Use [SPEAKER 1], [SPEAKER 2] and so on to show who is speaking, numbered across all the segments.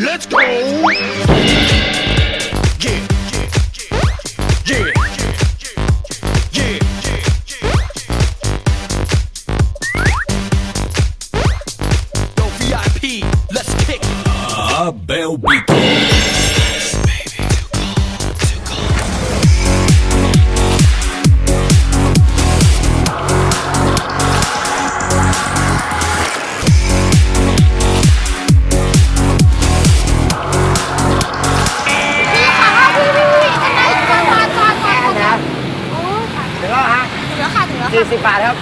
[SPEAKER 1] Let's go. Yeah. Yeah. Yeah. Yo, VIP, let's kick it.
[SPEAKER 2] Bell Beat.
[SPEAKER 3] ถึงแล้วฮะ
[SPEAKER 4] ถึงแล้วค่ะถึงแล้วค่ะ
[SPEAKER 3] 40 บาทครับ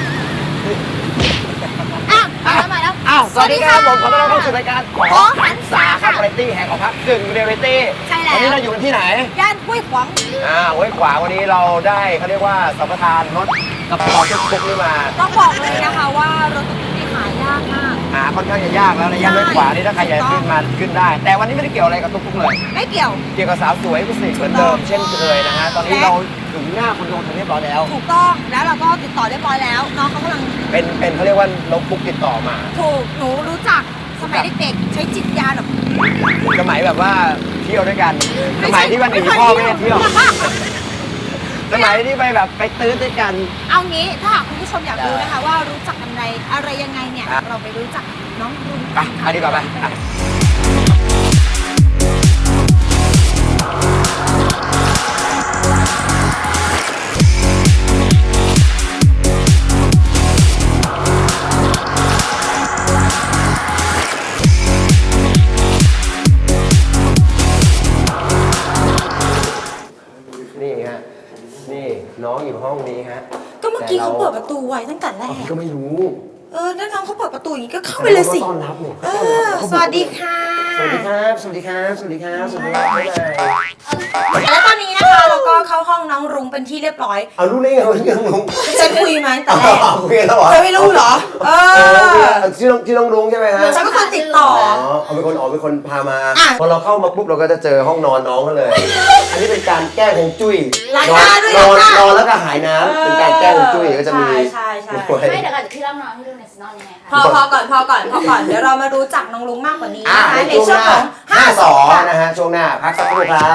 [SPEAKER 4] มาแล้ว
[SPEAKER 3] อ้าว สวัสดีครับผมขอต้อนรับเข้าสู่รายการขอ
[SPEAKER 4] หันษา
[SPEAKER 3] ครั
[SPEAKER 4] ค่ะ
[SPEAKER 3] บวาไรตี้แห่งของพักกึ่งเรียลลิตี้
[SPEAKER 4] ใช่แล้ว
[SPEAKER 3] วันนี้เราอยู่กันที่ไหน
[SPEAKER 4] ย่านห้วยขวาง
[SPEAKER 3] ห้วยขวางวันนี้เราได้เขาเรียกว่าสัมปทานรถกับพอทุกๆนี่มา
[SPEAKER 4] ต้องบอกเลยนะคะว่ารถตุ๊กๆนี่หายากมาก
[SPEAKER 3] หาค่อนข้างจะยากแล้วในย่านห้วยขวางนี่ถ้าใครอยากขึ้นมาขึ้นได้ แต่วันนี้ไม่ได้เกี่ยวอะไรกับตุ๊กๆเลย
[SPEAKER 4] ไม่เกี่ยว
[SPEAKER 3] เกี่ยวกับสาวสวยผู้สิเหมือนเดิมเช่นเคยนะฮะ ตอนนี้เราถึงหน้าคอนโดทันเรียบร้อยแล้ว
[SPEAKER 4] ถูกต้องแล้วเราก็ติดต่อเรียบร้อยแล้วน้องเขากำลัง
[SPEAKER 3] เป็นเขาเรียกว่าน้องปุ๊กติดต่อมา
[SPEAKER 4] ถูกหนูรู้จักสมัยเด็กๆใช้จิตวิญญาณแบบ
[SPEAKER 3] สมัยแบบว่าเที่ยวด้วยกัน สมัยที่วันหนีพ่อไม่ได้เที่ยว สมัยที่ไปแบบไปตื้อด้วยกัน
[SPEAKER 4] เอางี้ถ้าหากคุณผู้ชมอยากรู้นะคะว่ารู้จักกันอะไรยังไงเนี่ย
[SPEAKER 3] ครับ
[SPEAKER 4] เราไปรู้จักน้องรุน
[SPEAKER 3] ไปดีกว่าไปอ่ะนี่ฮะ นี่น้องอยู่ห้องนี้ฮะ
[SPEAKER 4] ก็เมื่อกี้เขาเปิดประตูไว้ตั้งแต่แรก
[SPEAKER 3] ก็ไม่รู้
[SPEAKER 4] แล้วน้องเขาเปิดประตูอย่างนี้ก็เข้าไปเลยสิ
[SPEAKER 3] ต้อนรับเนี่ย
[SPEAKER 4] สวัสดีค่ะ
[SPEAKER 3] สวัสดีครับ สวัสดีครับ สวัสดีครับ สวัสดีครับ
[SPEAKER 4] แล้วตอนนี้นะคะเราก็เข้าห้องน้องรุ้งเป็นที่เรียบร้อย
[SPEAKER 3] เอารู้ได้ไงว่าชื่อน้องลุง
[SPEAKER 4] ฉันคุยมาตั้งแต่แรก
[SPEAKER 3] คุยกันแล้วเหรอ
[SPEAKER 4] เธอไม่รู้เหรอ
[SPEAKER 3] ชื่อน้องลุงใช่ไหมฮะ
[SPEAKER 4] ฉันเป็นคนติดต่อ
[SPEAKER 3] เอาเป็นคนพามา
[SPEAKER 4] อ่ะ
[SPEAKER 3] พอเราเข้ามาปุ๊บเราก็จะเจอห้องนอนน้องเขาเลย อันนี้เป็นการแก้ฮวงจุ้ย
[SPEAKER 4] ล้างหน้าด้วย
[SPEAKER 3] นอน
[SPEAKER 4] ล้างหน้าน
[SPEAKER 3] อนแล้วก็หายน้ำเป็นการแก้ฮวงจุ้ยก็จะมี
[SPEAKER 4] ใช่
[SPEAKER 5] ไม่เดี๋ยวก่อนพี่เล่านอนให้ดูหน่อยสินอนยังไงคะ
[SPEAKER 4] พอก่อนเดี๋ยวเรามารู้จักน้องลุงมากกว่านี้
[SPEAKER 3] อ่ะ
[SPEAKER 4] นะคะ
[SPEAKER 3] ใน
[SPEAKER 4] ใน
[SPEAKER 3] ช่วง
[SPEAKER 4] ช่วง
[SPEAKER 3] หน้า
[SPEAKER 4] ของ
[SPEAKER 3] 52นะฮะช่วงหน้าพักสักครู่ครับ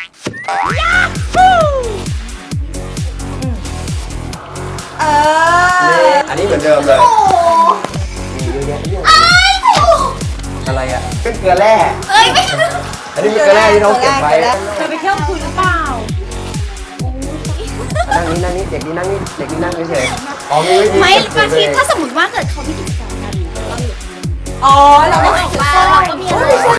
[SPEAKER 3] นี่อันนี้เหมือนเดิมเลย
[SPEAKER 4] โอ้
[SPEAKER 3] มีเยอะแยะเยอะอะไรอ่ะเป็นเกลือแร่
[SPEAKER 4] ไม่
[SPEAKER 3] อันนี้เป็นเกลือแร่ที่น้องเก็บไว้
[SPEAKER 4] เธอไปเที่ยวคุยหรือเปล่า
[SPEAKER 3] นั่งนี่เด็กนี่นั่งนี่เด็กนี่นั่งเฉยๆอ๋อมีวิธี
[SPEAKER 5] ไม่
[SPEAKER 3] เก็
[SPEAKER 5] บาง
[SPEAKER 3] บ
[SPEAKER 5] ที
[SPEAKER 3] ตัวเอง
[SPEAKER 5] ถ้าสมมติว่าเกิดเขามีกิจกรรมกันเราอยู่
[SPEAKER 4] อ๋อเราไม่
[SPEAKER 5] อ
[SPEAKER 4] ได้
[SPEAKER 5] อก
[SPEAKER 4] ถือ
[SPEAKER 5] มา
[SPEAKER 4] สร้อย
[SPEAKER 5] เราก็มีอะไร